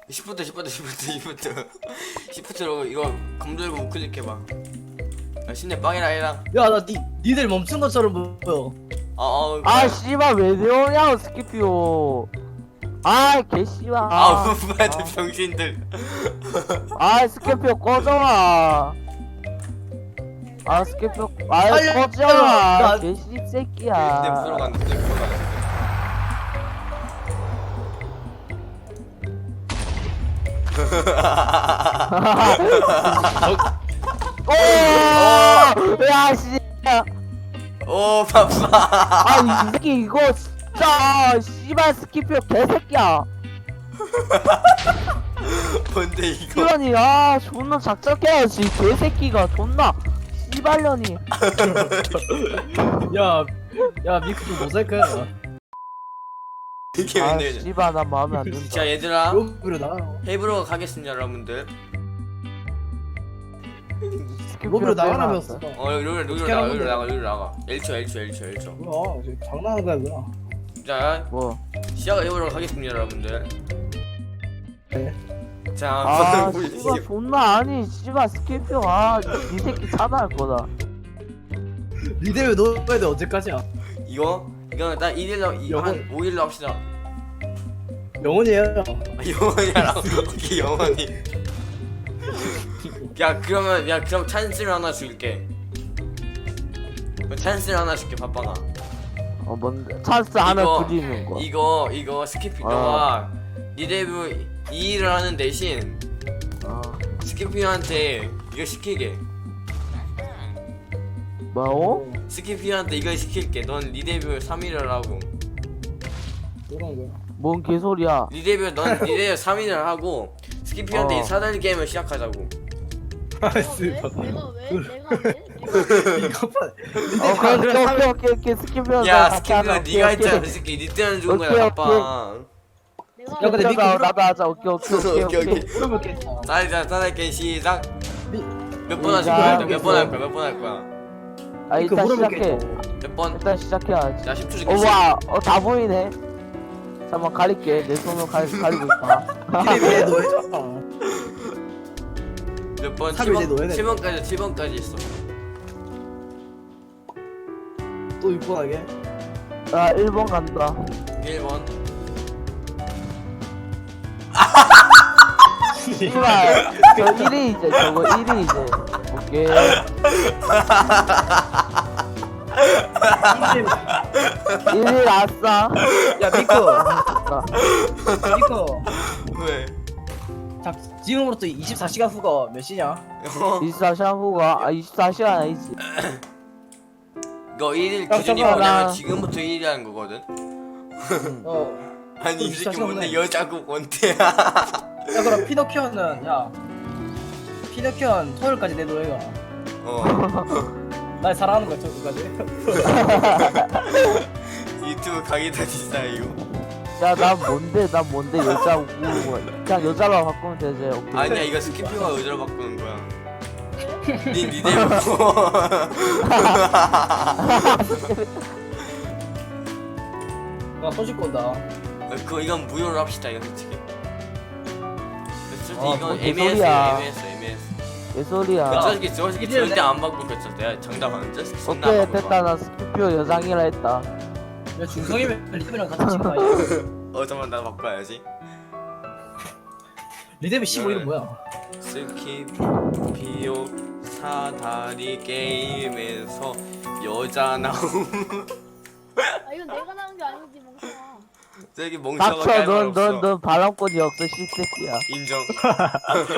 시프트로 이거 검 들고 우클릭해봐. 신내 빵이라 해라. 야, 나 니들 멈춘 것처럼 보여. 아 씨발 왜 내오냐 스키피오. 아 개씨발. 뭐야 병신들. 아 스키피오 꺼져라. 아 스키피오 꺼져라. 개씨 내 새끼야. 부러 간다. 내 부러 간다. 오! 야 씨. 오 바빠. 아이 새끼 이거 진짜 씨발 스키피오 개새끼야. 뭔데 이거? 시간이 존나 작작해야지 개새끼가 존나 씨발년이. 야, 미크 좀 모자이크 해라. 이게 아 웬일이야? 씨발 나 마음에 안 든다. 자 얘들아 로비로 나가. 헤이브로 가겠습니다 여러분들. 로비로 나가라면서. 여기로 나가. 1초. 뭐야, 지금 장난하는 거야, 뭐야. 자 뭐? 시작해보도록 하겠습니다 여러분들. 네. 자 씨발 존나 아니 씨발 스키피오 이 새끼 차단할 거다. 니들 넣어야 돼, 언제까지야? 이거는 딱 1일로 영혼. 한 5일로 합시다. 영원이에요. 영원이야. 오케이 영원히. 그럼 찬스를 하나 줄게. 찬스를 하나 줄게 바빠가. 뭔데? 찬스 하나 부리는 거. 이거 스키피 너가 니데브 2일을 하는 대신 스키피한테 이거 시키게. 뭐요? 스키피한테 이걸 시킬게. 넌 리데뷔 3일을 하고. 그런 거야. 뭔 개소리야? 넌 리데뷔 3일을 하고 스키피한테 이 사다리 게임을 시작하자고. 아이씨, 내가 왜? 이거 봐. 오케이 스키피오. 야 스키피가 네가 했잖아. 그 새끼 니 때문에 죽은 거야 오케이, 아빠. 내가 야, 근데 미크 나도 하자. 오케이. 물어볼게. 사다리 게임 시작. 몇 번 시작. 하실 거야? 몇 번 할 거야? 아 미크 일단 물어볼게. 시작해. 몇 번? 일단 시작해야지. 자 10초 줄게. 와, 다 보이네. 잠깐만 가릴게. 내 손으로 가리고 있다. 니네 왜 너해줘? 몇 번? 3일 이제 넣어야 돼. 7번까지 있어. 또 6번 하게? 1번 간다. 1번. 씨발, 저 1위 이제, 저거 1위 이제. 오케이. 1위 아싸. 야, 미크. 왜? 자, 지금으로부터 24시간 후가 몇 시냐? 24시간 후가, 24시간 아니지. 이거 1일 야, 기준이 잠깐만, 뭐냐면 나- 지금부터 1일이라는 거거든. 아니 이 새끼 24시간 뭔데 후네. 여자고 뭔데야? 야, 그럼 피노키오는, 피노키오는 토요일까지 내 노예가. 날 사랑하는 거야, 토요일까지. 유튜브 강의다 진짜 이거. 야, 난 뭔데, 여자고. 그냥 여자로 바꾸면 되지. 오케이. 아니야 이거 스키피가 의자로 바꾸는 거야. 니네 나 소식 건다. 이건 무효로 합시다 이거 솔직히. 솔직히 뭐 이건 개소리야. 애매했어. 개소리야. 저 새끼 절대 안 바꿀 거였어. 내가 장담하는 저 새끼 존나 안 오케이, 바꿀 됐다. 거야. 나 스키피오 여장이라 했다. 야, 중성이면 리듬이랑 같이 치는 거 아니야? 잠깐만 나 바꿔야지. 리듬이 15일은 뭐야? 스키피오 사다리 게임에서 여자 나옴. 이건 내가 나온 게 아니지 멍청아. 저기 멍청하게 닥쳐, 할말 없어. 넌 바람권이 없어, 씹새끼야. 인정.